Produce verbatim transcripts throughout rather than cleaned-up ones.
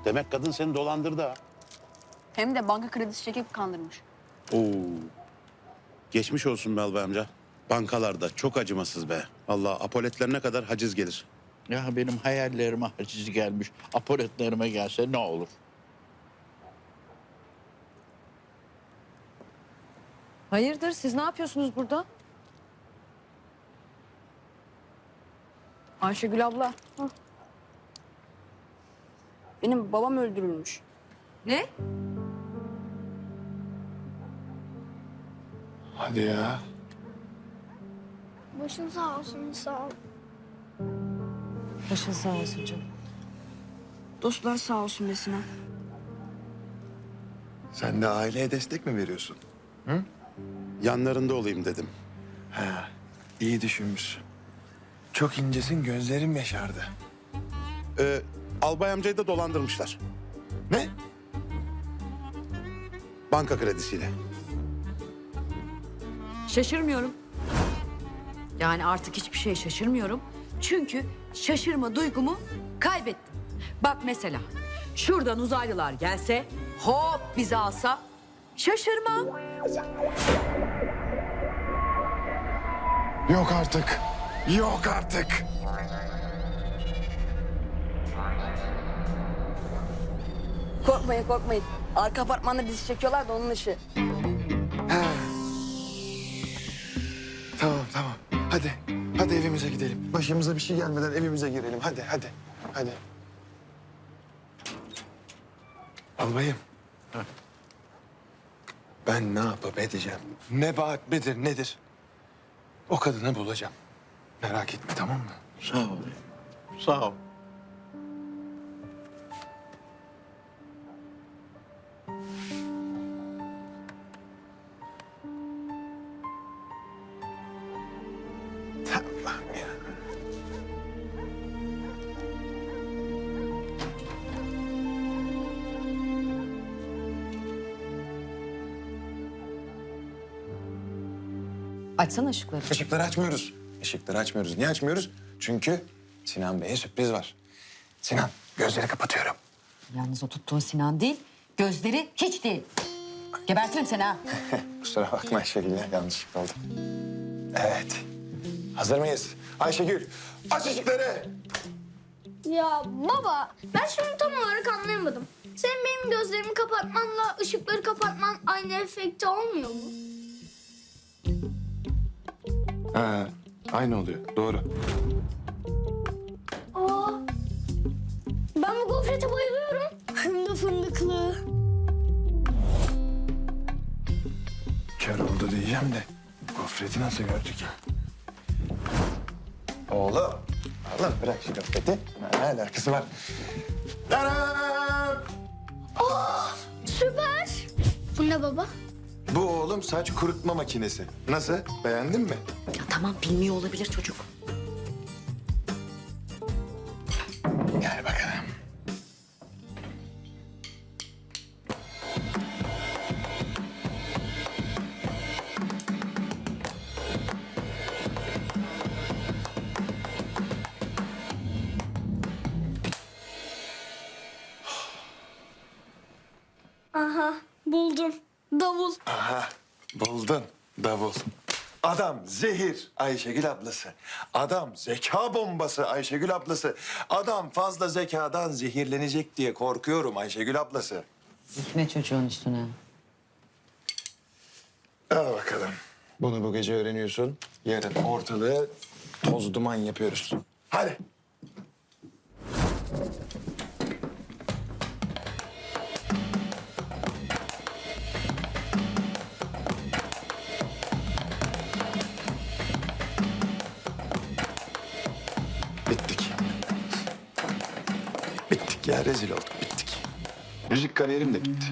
Demek kadın seni dolandırdı ha. Hem de banka kredisi çekip kandırmış. Oo. Geçmiş olsun be Albay amca. Bankalarda çok acımasız be. Allah apoletlerine kadar haciz gelir. Ya benim hayallerime haciz gelmiş. Apoletlerime gelse ne olur? Hayırdır, siz ne yapıyorsunuz burada? Ayşegül abla. Benim babam öldürülmüş. Ne? Hadi ya. Başın sağ olsun, sağ ol. Başın sağ olsun canım. Dostlar sağ olsun be Sinan. Sen de aileye destek mi veriyorsun? Yanlarında olayım dedim. Ha, iyi düşünmüşsün. Çok incesin, gözlerim yaşardı. Ee, Albay amcayı da dolandırmışlar. Ne? Banka kredisiyle. Şaşırmıyorum. Yani artık hiçbir şey şaşırmıyorum. Çünkü şaşırma duygumu kaybettim. Bak mesela şuradan uzaylılar gelse, hop bizi alsa şaşırmam. Yok artık. Yok artık. Korkmayın korkmayın. Arka apartmanda dizi çekiyorlar da onun işi. Tamam, tamam. Hadi. Hadi evimize gidelim. Başımıza bir şey gelmeden evimize girelim. Hadi, hadi. Hadi. Albayım. Ben ne yapıp edeceğim? Nebahat midir, nedir? O kadını bulacağım. Merak etme, tamam mı? Sağ ol. Sağ ol. Tamam ya. Açsana ışıkları. Işıkları açmıyoruz. Işıkları açmıyoruz. Niye açmıyoruz? Çünkü Sinan Bey'e sürpriz var. Sinan, gözleri kapatıyorum. Yalnız o tuttuğun Sinan değil, gözleri hiç değil. Gebertirim seni ha. Kusura bakma Ayşegül, ya, yanlışlık oldu. Evet. Hazır mıyız? Ayşegül, aç ışıkları. Ya baba, ben şunu tam olarak anlayamadım. Senin benim gözlerimi kapatmanla ışıkları kapatman aynı efekte olmuyor mu? Ha, aynı oluyor. Doğru. Aa, ben bu gofrete bayılıyorum. Hem de fındıklı. Kör oldu diyeceğim de gofreti nasıl gördük ya? Oğlum. Oğlum bırak şu gofreti. Ne alakası var? Tadam! Süper. Bu ne baba? Bu oğlum saç kurutma makinesi. Nasıl? Beğendin mi? Ya tamam bilmiyor olabilir çocuk. Gel bakalım. Aha, buldum. Davul. Aha, buldun davul. Adam zehir Ayşegül ablası. Adam zeka bombası Ayşegül ablası. Adam fazla zekadan zehirlenecek diye korkuyorum Ayşegül ablası. Ne çocuğun üstüne? Al bakalım. Bunu bu gece öğreniyorsun. Yarın ortalığı toz duman yapıyoruz. Hadi. Bittik. Bittik ya, rezil olduk, bittik. Müzik kariyerim de bitti.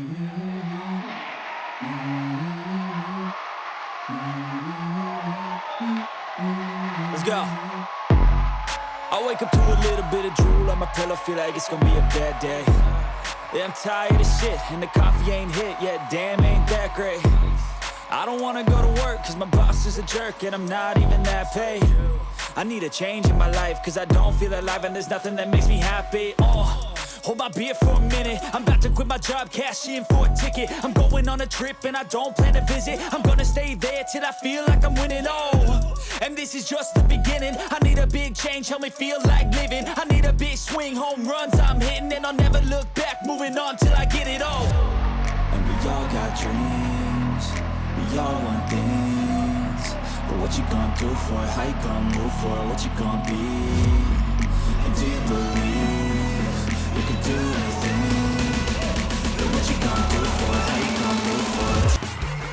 Let's go. I wake up to a little bit of drool on my pillow, feel like it's gonna be a bad day. Yeah, I'm tired of shit, and the coffee ain't hit yet, damn, ain't that great. I don't wanna go to work, cause my boss is a jerk, and I'm not even that paid. I need a change in my life, cause I don't feel alive, and there's nothing that makes me happy. Oh, hold my beer for a minute. I'm about to quit my job, cash in for a ticket. I'm going on a trip and I don't plan to visit. I'm gonna stay there till I feel like I'm winning. Oh, and this is just the beginning. I need a big change, help me feel like living. I need a big swing, home runs I'm hitting, and I'll never look back, moving on till I get it all. And we all got dreams, we all want things. But what you gonna do for it? How you gonna move for it? What you gonna be? And do you believe you can do anything? But what you gonna do for it? How you gonna move for it?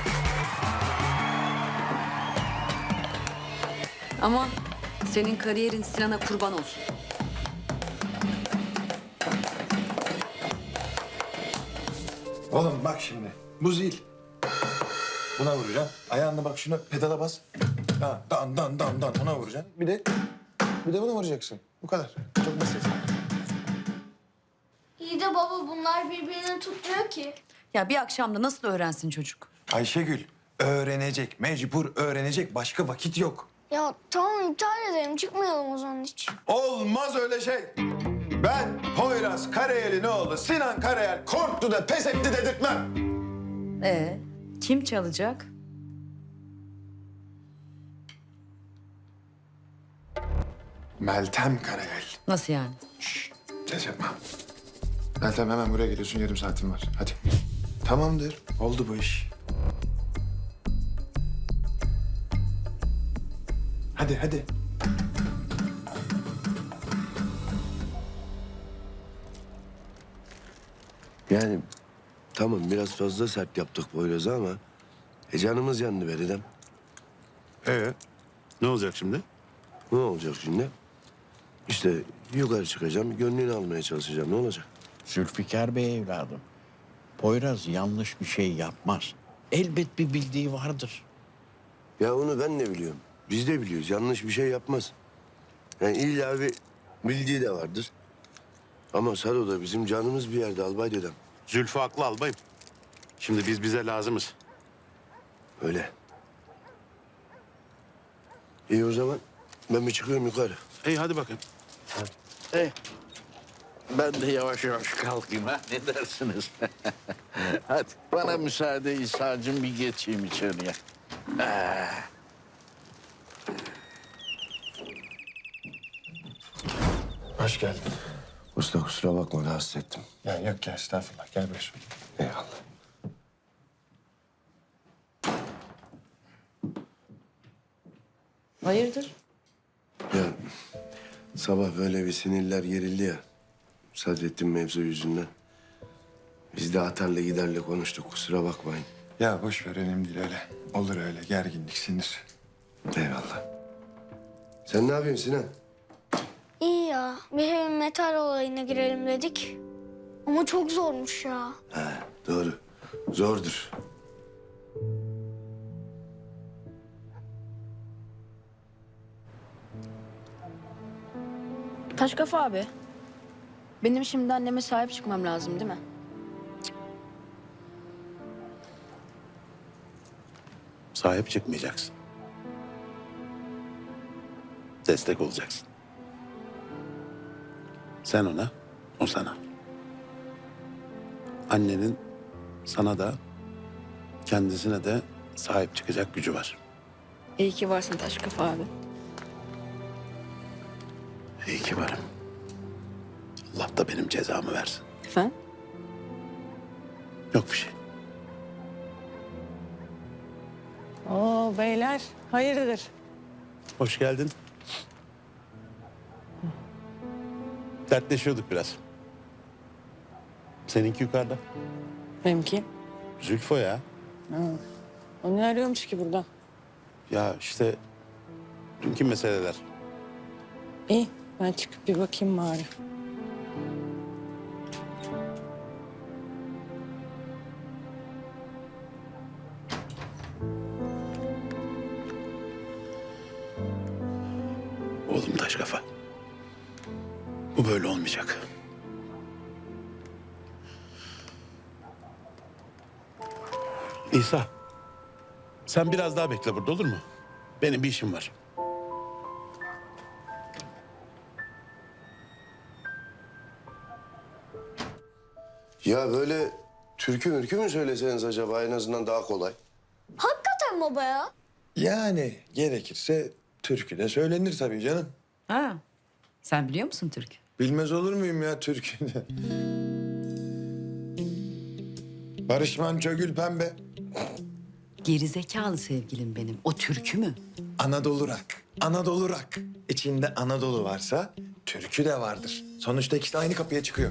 Ama senin kariyerin Sinan'a kurban olsun. Oğlum bak şimdi. Bu zil. Buna vuracaksın. Ayağınla bak şuna pedala bas. Ha, dan dan dan dan ona vuracaksın. Bir de bir de buna vuracaksın. Bu kadar. Çok basit. İyi de baba bunlar birbirini tutmuyor ki. Ya bir akşamda nasıl öğrensin çocuk? Ayşegül öğrenecek. Mecbur öğrenecek. Başka vakit yok. Ya tamam iptal edelim çıkmayalım o zaman hiç. Olmaz öyle şey. Ben Poyraz Karayel'in oğlu Sinan Karayel korktu da pes etti dedirtmem. Ee, kim çalacak? Meltem Karayel. Nasıl yani? Ses yapma. Meltem hemen buraya geliyorsun. Yarım saatin var. Hadi. Tamamdır. Oldu bu iş. Hadi hadi. Yani tamam biraz fazla sert yaptık Poyraz'a ama e, canımız yandı be dedem. Ee, ne olacak şimdi? Ne olacak şimdi? İşte yukarı çıkacağım, gönlünü almaya çalışacağım. Ne olacak? Zülfikar Bey evladım. Poyraz yanlış bir şey yapmaz. Elbet bir bildiği vardır. Ya onu ben de biliyorum. Biz de biliyoruz. Yanlış bir şey yapmaz. Yani illa bir bildiği de vardır. Ama Sado da bizim canımız bir yerde albay dedem. Zülfü haklı albayım. Şimdi biz bize lazımız. Öyle. İyi o zaman ben bir çıkıyorum yukarı. İyi hadi bakın. Eh, ben de yavaş yavaş kalkayım ha. Ne dersiniz? Hadi bana müsaade İsa'cığım bir geçeyim içeriye. Hoş geldin. Usta kusura bakma rahatsız ettim. Ya yok ya estağfurullah. Gel buyur. Eyvallah. Hayırdır? Ya sabah böyle bir sinirler gerildi ya. Sadrettin mevzu yüzünden. Biz de atarla giderle konuştuk kusura bakmayın. Ya boş ver önemli değil öyle. Olur öyle gerginlik sinir. Eyvallah. Sen ne yapıyorsun Sinan? İyi ya bir heavy metal olayına girelim dedik. Ama çok zormuş ya. Ha, doğru. Zordur. Taş kafa abi. Benim şimdi anneme sahip çıkmam lazım değil mi? Sahip çıkmayacaksın. Destek olacaksın. Sen ona, o sana. Annenin sana da, kendisine de sahip çıkacak gücü var. İyi ki varsın taş kafa abi. İyi ki varım. Allah da benim cezamı versin. Efendim? Yok bir şey. Oo beyler, hayırdır? Hoş geldin. Dertleşiyorduk biraz. Seninki yukarıda. Benimki. Zülfo ya. O ne arıyormuş ki burada? Ya işte dünkü meseleler. İyi, ben çıkıp bir bakayım bari. Oğlum taş kafa. Bu böyle olmayacak. İsa. Sen biraz daha bekle burada olur mu? Benim bir işim var. Ya böyle türkü mürkü mü söyleseniz acaba en azından daha kolay? Hakikaten baba ya. Yani gerekirse türkü de söylenir tabii canım. Ha. Sen biliyor musun Türk? Bilmez olur muyum ya türkü de? Barış Manço Gül Pembe. Gerizekalı sevgilim benim. O türkü mü? Anadolu rock. Anadolu rock. İçinde Anadolu varsa türkü de vardır. Sonuçta ikisi aynı kapıya çıkıyor.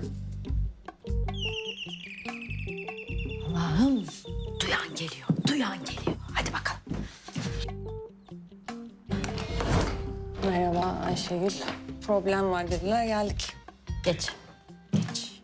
Allah'ım. Duyan geliyor. Duyan geliyor. Hadi bakalım. Merhaba Ayşegül. Problem var dediler, geldik. Geç. Geç.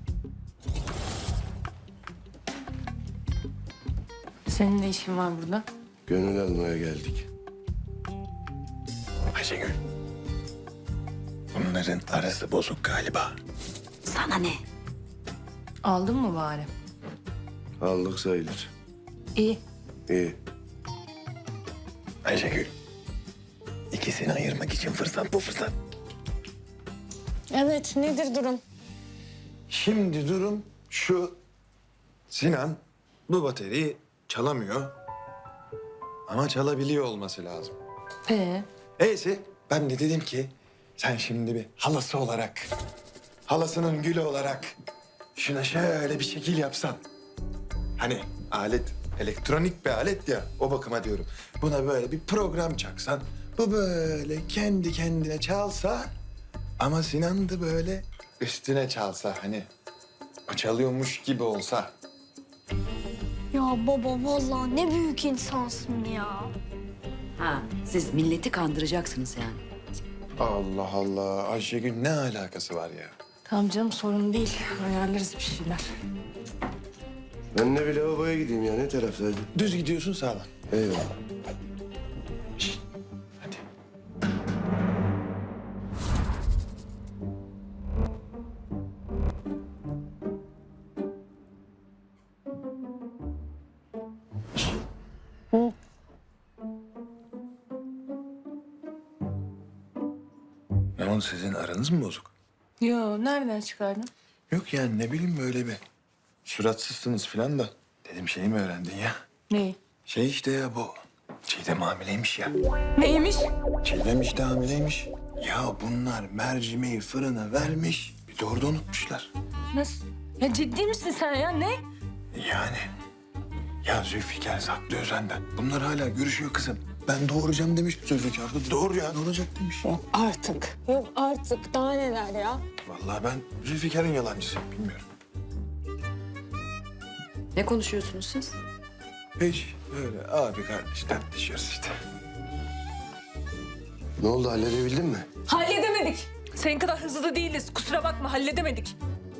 Senin ne işin var burada? Gönül almaya geldik. Ayşegül. Bunların arası bozuk galiba. Sana ne? Aldın mı bari? Aldık sayılır. İyi. İyi. Ayşegül. İkisini ayırmak için fırsat bu fırsat. Evet, nedir durum? Şimdi durum şu. Sinan bu bateriyi çalamıyor. Ama çalabiliyor olması lazım. Ee, Neyse ben de dedim ki sen şimdi bir halası olarak, halasının gülü olarak şuna şöyle bir şekil yapsan. Hani alet elektronik bir alet ya, o bakıma diyorum. Buna böyle bir program çaksan, bu böyle kendi kendine çalsa ama Sinan da böyle üstüne çalsa, hani o çalıyormuş gibi olsa. Ya baba vallahi ne büyük insansın ya. Ha, siz milleti kandıracaksınız yani. Allah Allah, Ayşegül ne alakası var ya? tamam canım sorun değil. Ayarlarız bir şeyler. Ben de bir lavaboya gideyim ya. Ne taraftaydı? Düz gidiyorsun sağdan. Eyvallah. Şişt, hadi. Ne oldu, sizin aranız mı bozuk? Yo, nereden çıkardın? Yok yani ne bileyim böyle bir suratsızsınız falan da. Dedim şeyi mi öğrendin ya? Neyi? Şey işte ya bu. Çiğdem hamileymiş ya. Neymiş? Çiğdem işte hamileymiş. Ya bunlar mercimeği fırına vermiş. Bir de orada unutmuşlar. Nasıl? Ya ciddi misin sen ya? Ne? Yani. Ya Zülfikar saklıyor senden. Bunlar hala görüşüyor kızım. Ben doğuracağım demiş Zülfikar da. Doğru ya, ne olacak demiş. Yok artık. Yok artık. Daha neler ya? Vallahi ben Zülfikar'ın yalancısıyım, bilmiyorum. Ne konuşuyorsunuz siz? Hiç öyle abi kardeş tartışıyoruz işte. Ne oldu, halledebildin mi? Halledemedik. Senin kadar hızlı da değiliz. Kusura bakma, halledemedik.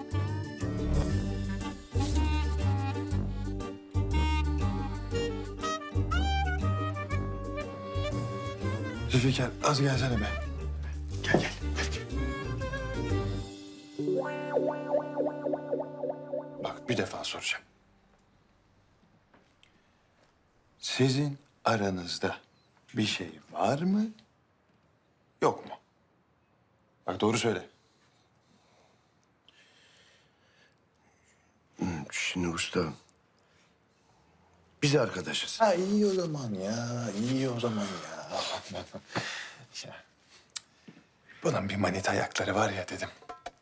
Zülfikar az gelsene be. Gel gel. gel. Bak bir defa soracağım. Sizin aranızda bir şey var mı? Yok mu? Bak doğru söyle. Şimdi usta, biz arkadaşız. Ha iyi o zaman ya. İyi o zaman ya. Ya, bunun bir manita ayakları var ya dedim.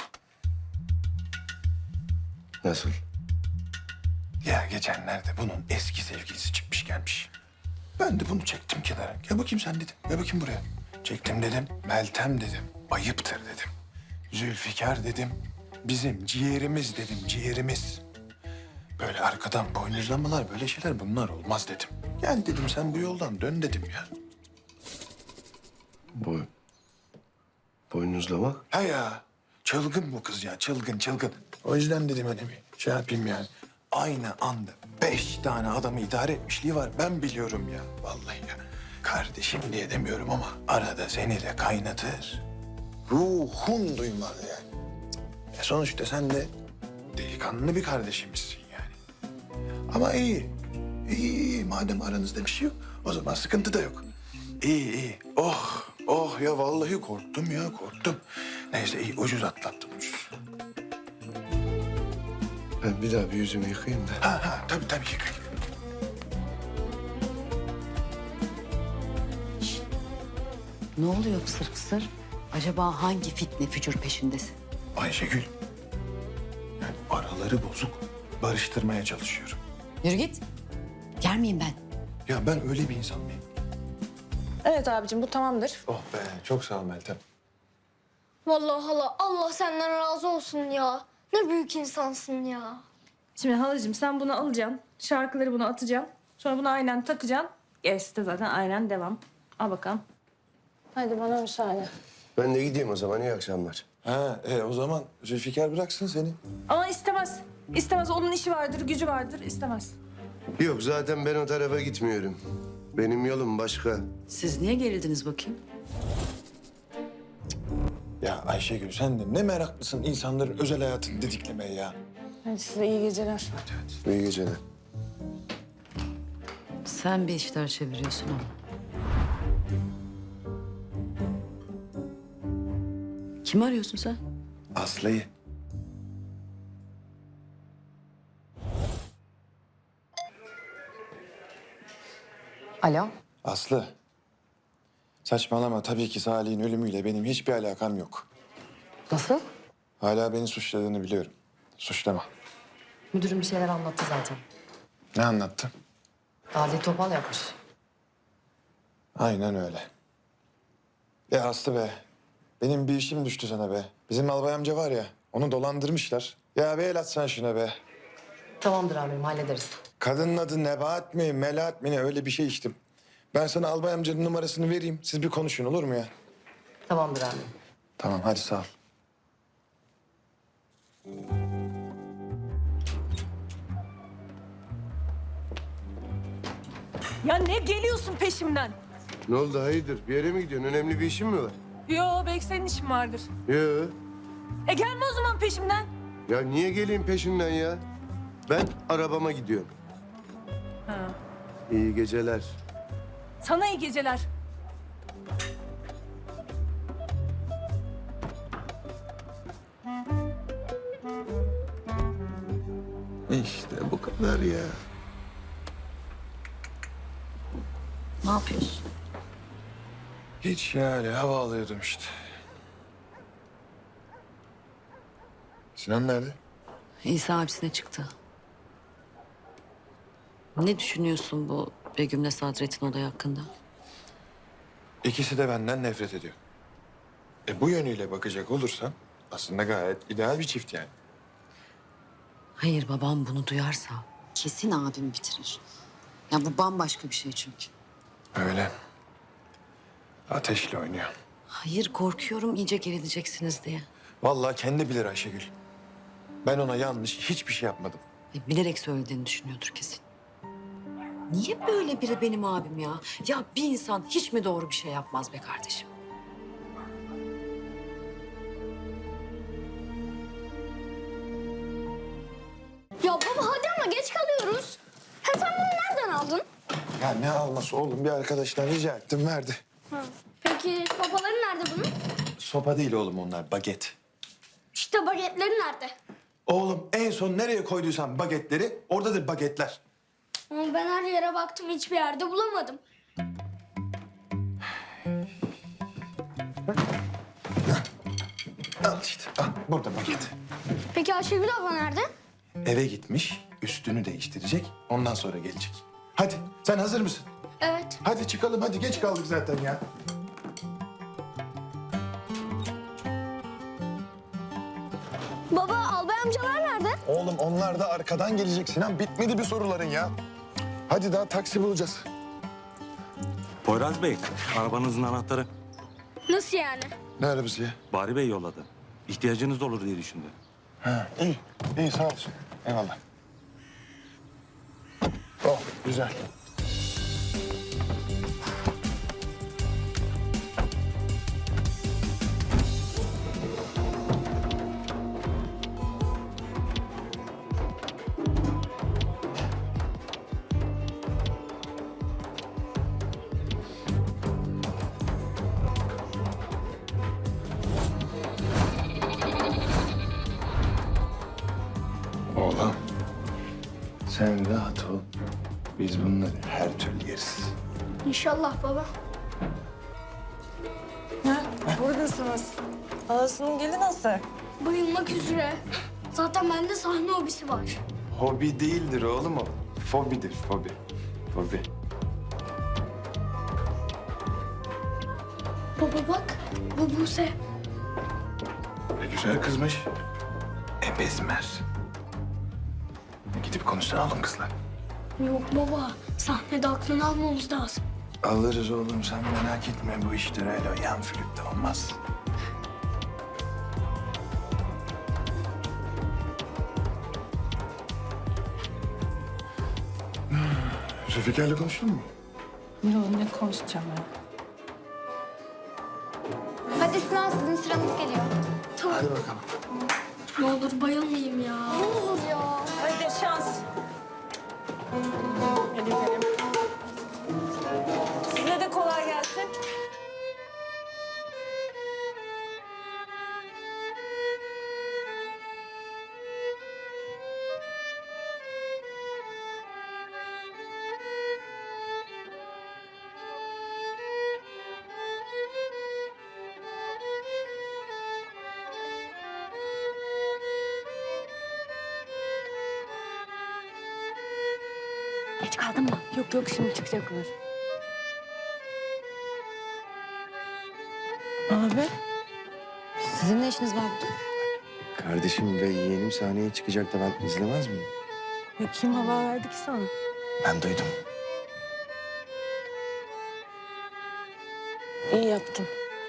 Nasıl? Ya geçenlerde bunun eski sevgilisi çıkmış gelmiş. Ben de bunu çektim kenara. Gel bakayım sen dedim. Gel bakayım buraya. Çektim dedim. Meltem dedim. Ayıptır dedim. Zülfikar dedim. Bizim ciğerimiz dedim. Ciğerimiz. Böyle arkadan boynuzlamalar, böyle şeyler bunlar olmaz dedim. Gel dedim sen bu yoldan dön dedim ya. Boy. Boynuzlamak? Ha ya. Çılgın bu kız ya. Çılgın çılgın. O yüzden dedim hani bir şey yapayım yani. Aynı anda beş tane adamı idare etmişliği var. Ben biliyorum ya. Vallahi ya. Kardeşim diye demiyorum ama arada seni de kaynatır. Ruhun duymaz yani. E sonuçta sen de delikanlı bir kardeşimizsin yani. Ama iyi. İyi, iyi. Madem aranızda bir şey yok, o zaman sıkıntı da yok. İyi, iyi. Oh, oh ya vallahi korktum ya, korktum. Neyse iyi, ucuz atlattım, ucuz. Ben bir daha bir yüzümü yıkayayım da. Ha ha tabii tabii yıkayın. Ne oluyor kısır kısır? Acaba hangi fitne fücur peşindesin? Ayşegül. Yani araları bozuk. Barıştırmaya çalışıyorum. Yürü git. Yer miyim ben? Ya ben öyle bir insan mıyım? Evet abicim bu tamamdır. Oh be çok sağ ol Meltem. Vallahi hala Allah senden razı olsun ya. Ne büyük insansın ya. Şimdi halacığım sen bunu alacaksın. Şarkıları buna atacaksın. Sonra bunu aynen takacaksın. Gerisi de zaten aynen devam. Al bakalım. Hadi bana müsaade. Ben de gideyim o zaman. İyi akşamlar. Ha e, o zaman Zülfikar bıraksın seni. Ama istemez. İstemez. Onun işi vardır, gücü vardır. İstemez. Yok zaten ben o tarafa gitmiyorum. Benim yolum başka. Siz niye gerildiniz bakayım? Ya Ayşegül sen de ne meraklısın insanların özel hayatını didiklemeye ya. Hadi size iyi geceler. İyi geceler. Sen bir işler çeviriyorsun ama. Kimi arıyorsun sen? Aslı'yı. Alo. Aslı. Saçmalama tabii ki Salih'in ölümüyle benim hiçbir alakam yok. Nasıl? Hala beni suçladığını biliyorum. Suçlama. Müdürüm bir şeyler anlattı zaten. Ne anlattın? Adli topal yapmış. Aynen öyle. Ya Aslı be. Benim bir işim düştü sana be. Bizim albay amca var ya, onu dolandırmışlar. Ya bir el atsan şuna be. Tamamdır amirim hallederiz. Kadının adı Nebahat mi, Melahat mi ne öyle bir şey içtim. Ben sana albay amcanın numarasını vereyim. Siz bir konuşun olur mu ya? Tamamdır amirim. Tamam hadi sağ ol. Ya ne geliyorsun peşimden? Ne oldu hayırdır? Bir yere mi gidiyorsun? Önemli bir işin mi var? Yo belki senin işin vardır. Yok. E gelme o zaman peşimden. Ya niye geleyim peşinden ya? Ben arabama gidiyorum. Ha. İyi geceler. Sana iyi geceler. İşte bu kadar ya. Ne yapıyorsun? Hiç yani hava alıyordum işte. Sinan nerede? İsa abisine çıktı. Ne düşünüyorsun bu Begüm'le Sadret'in olayı hakkında? İkisi de benden nefret ediyor. E bu yönüyle bakacak olursan aslında gayet ideal bir çift yani. Hayır babam bunu duyarsa kesin abimi bitirir. Ya bu bambaşka bir şey çünkü. Öyle. Ateşle oynuyor. Hayır korkuyorum iyice gerileceksiniz diye. Vallahi kendi bilir Ayşegül. Ben ona yanlış hiçbir şey yapmadım. E, bilerek söylediğini düşünüyordur kesin. Niye böyle biri benim abim ya? Ya bir insan hiç mi doğru bir şey yapmaz be kardeşim? Ya baba hadi ama geç kalıyoruz. Hem sen bunu nereden aldın? Ya ne alması oğlum bir arkadaştan rica ettim verdi. Ha. Peki sopaları nerede bunun? Sopa değil oğlum onlar baget. İşte bagetleri nerede? Oğlum en son nereye koyduysan bagetleri oradadır bagetler. Ama ben her yere baktım hiçbir yerde bulamadım. Al işte al burada baget. Peki Ayşegül abla nerede? Eve gitmiş üstünü değiştirecek ondan sonra gelecek. Hadi sen hazır mısın? Evet. Hadi çıkalım hadi geç kaldık zaten ya. Baba albay amcalar nerede? Oğlum onlar da arkadan gelecek Sinan. Bitmedi bir soruların ya. Hadi daha taksi bulacağız. Poyraz Bey, arabanızın anahtarı. Nasıl yani? Ne arabası ya? Bari Bey yolladı. İhtiyacınız da olur diye düşündü. Ha, iyi. İyi sağ olsun. Eyvallah. Oh güzel. Oğlum, sen rahat ol. Biz bunları her türlü yeriz. İnşallah baba. Buradasınız. Halasının gelin nasıl? Bayılmak üzere. Zaten bende sahne hobisi var. Hobi değildir oğlum o. Fobidir, fobi. Fobi. Baba bak, bu Buse. Ne güzel kızmış. Ebezmer. Gidip konuşsana oğlum kızla. Yok baba, sahnede aklını almamız lazım. Alırız oğlum, sen merak etme. Bu işler öyle yan flütte olmaz. Zülfikar'la konuştun mu? Yok ne konuşacağım ya? Hadi Sinan, sizin sıranız geliyor. Tamam. Hadi bakalım. Ne olur bayılmayayım ya. Ne olur ya. Hadi şans. Hadi gidelim. Size de kolay gelsin. Geç kaldın mı? Yok yok şimdi çıkacaklar. Abi. Sizin ne işiniz var burada? Kardeşim ve yeğenim sahneye çıkacak da ben izlemez miyim? Ya kim haber verdi ki sana? Ben duydum. İyi yaptın.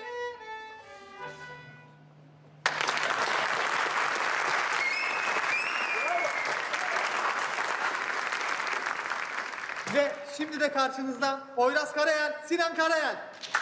Ve şimdi de karşınızda Poyraz Karayel, Sinan Karayel.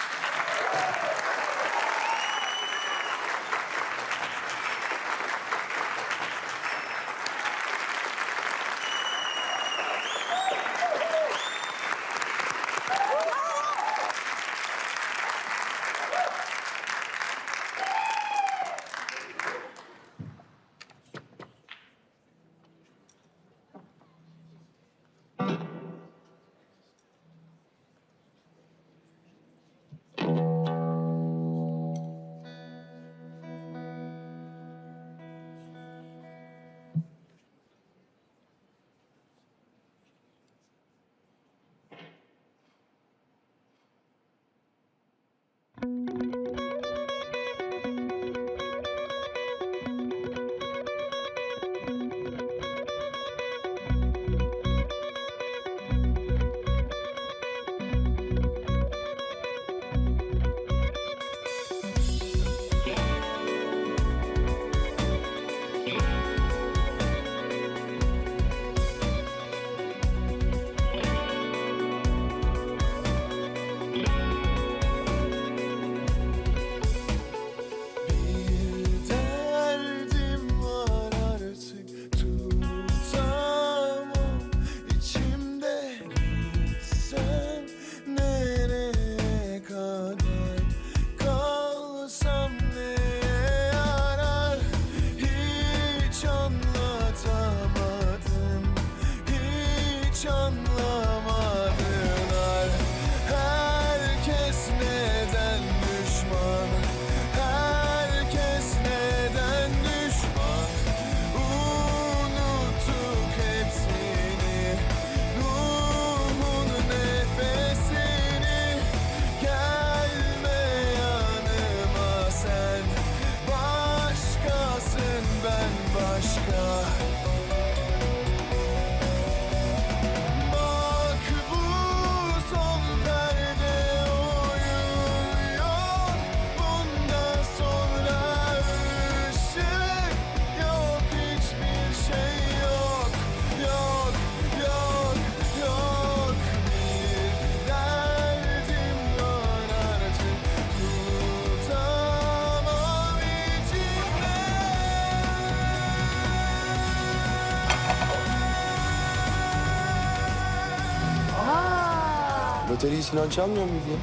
Bateriyi Sinan çalmıyor muydu ya?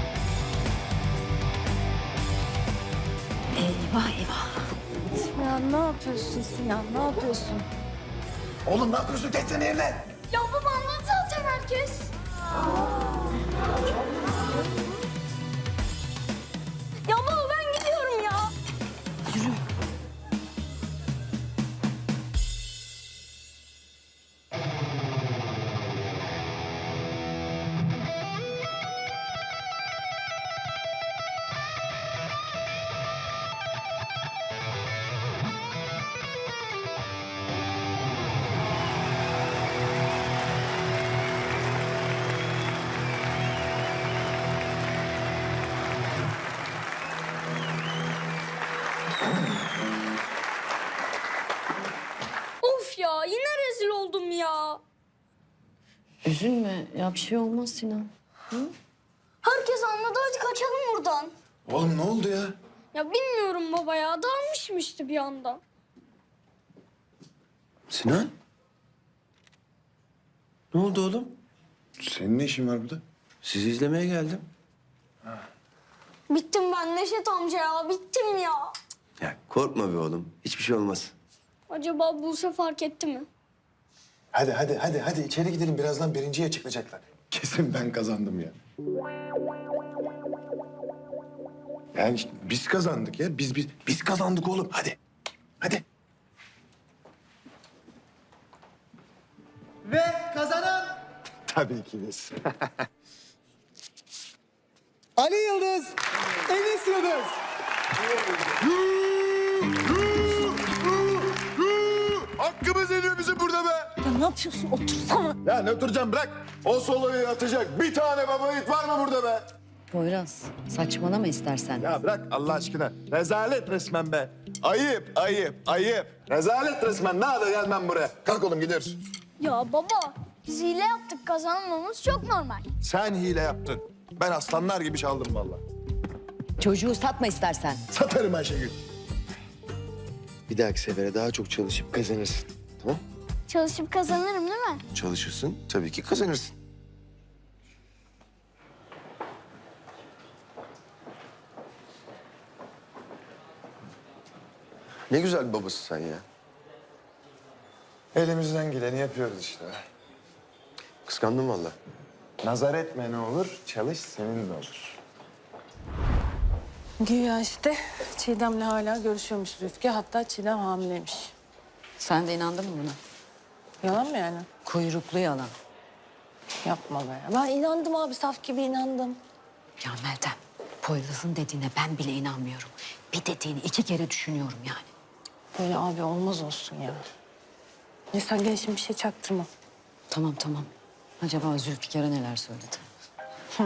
Eyvah eyvah. Ya ne yapıyorsun Sinan? Ne yapıyorsun? Oğlum ne yapıyorsun? Geçsene yerine. Ya baba anlat zaten herkes. Ya baba ben gidiyorum ya. Of ya yine rezil oldum ya. Üzülme ya, bir şey olmaz Sinan. Herkes anladı hadi kaçalım buradan. Oğlum ne oldu ya? Ya bilmiyorum baba ya dalmışım işte bir anda. Sinan? Ne oldu oğlum? Senin ne işin var burada? Sizi izlemeye geldim. Bittim ben Neşet amca ya bittim ya. Ya korkma be oğlum. Hiçbir şey olmaz. Acaba Buse fark etti mi? Hadi hadi hadi hadi içeri gidelim. Birazdan birinciye açıklayacaklar. Kesin ben kazandım ya. Yani işte biz kazandık ya. Biz biz biz kazandık oğlum. Hadi. Hadi. Ve kazanan Tabii ki biz. Ali Yıldız, Enis Yıldız. Hakkımız ediyor bizi burada be. Ya ne yapıyorsun? Otursana. Ya ne oturacağım bırak. O soloyu atacak bir tane baba yiğit var mı burada be? Poyraz, saçmalama istersen. Ya bırak Allah aşkına. Rezalet resmen be. Ayıp, ayıp, ayıp. Rezalet resmen. Ne hadi gelmem buraya. Kalk oğlum gidiyoruz. Ya baba biz hile yaptık kazanmamız çok normal. Sen hile yaptın. Ben aslanlar gibi çaldım vallahi. Çocuğu satma istersen. Satarım Ayşegül. Bir dahaki sefere daha çok çalışıp kazanırsın. Tamam? Çalışıp kazanırım değil mi? Çalışırsın, tabii ki kazanırsın. Ne güzel bir babası sen ya. Elimizden geleni yapıyoruz işte. Kıskandım vallahi. Nazar etme ne olur, çalış senin de olur. Güya işte Çiğdem'le hala görüşüyormuş Rüfkü. Hatta Çiğdem hamileymiş. Sen de inandın mı buna? Yalan mı yani? Kuyruklu yalan. Yapma be. Ben inandım abi. Saf gibi inandım. Ya Meltem, Poyraz'ın dediğine ben bile inanmıyorum. Bir dediğini iki kere düşünüyorum yani. Böyle abi olmaz olsun ya. Ne sen gel şimdi bir şey çaktırma. Tamam tamam. Acaba Zülfikar'a neler söyledi? Hı.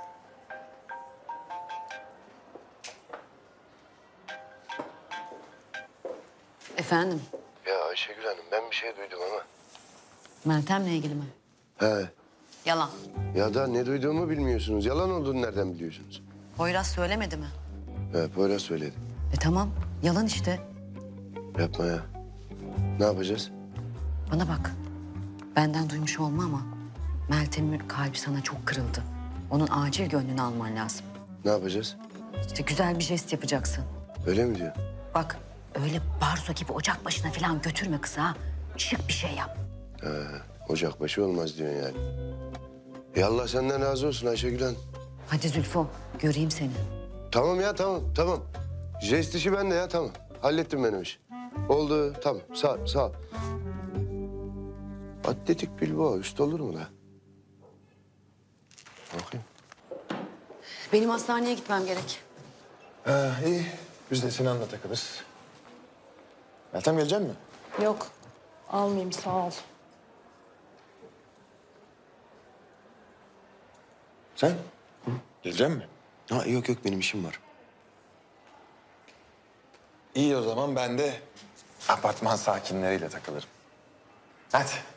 Efendim, Ya Ayşegül Hanım ben bir şey duydum ama. Meltem'le ilgili mi? He. Yalan. Ya da ne duyduğumu bilmiyorsunuz. Yalan olduğunu nereden biliyorsunuz? Poyraz söylemedi mi? He, Poyraz söyledi. E tamam, yalan işte. Yapma ya. Ne yapacağız? Bana bak, benden duymuş olma ama Meltem'in kalbi sana çok kırıldı. Onun acil gönlünü alman lazım. Ne yapacağız? İşte güzel bir jest yapacaksın. Öyle mi diyor? Bak, öyle barzo gibi ocak başına falan götürme kızı ha. Şık bir şey yap. He, ocakbaşı olmaz diyorsun yani. Ya Allah senden razı olsun Ayşegül Hanım. Hadi Zülfo, göreyim seni. Tamam ya tamam tamam. Jest işi bende ya tamam. Hallettim benim işi. Oldu tamam sağ ol, sağ ol. Atletik Bilbao üst olur mu da? Bakayım. Benim hastaneye gitmem gerek. Ha, iyi. Biz de Sinan'la takılırız. Meltem gelecek mi? Yok. Almayayım sağ ol. Sen? Hı? Gelecek mi? Ha, yok yok benim işim var. İyi o zaman ben de apartman sakinleriyle takılırım. Hadi.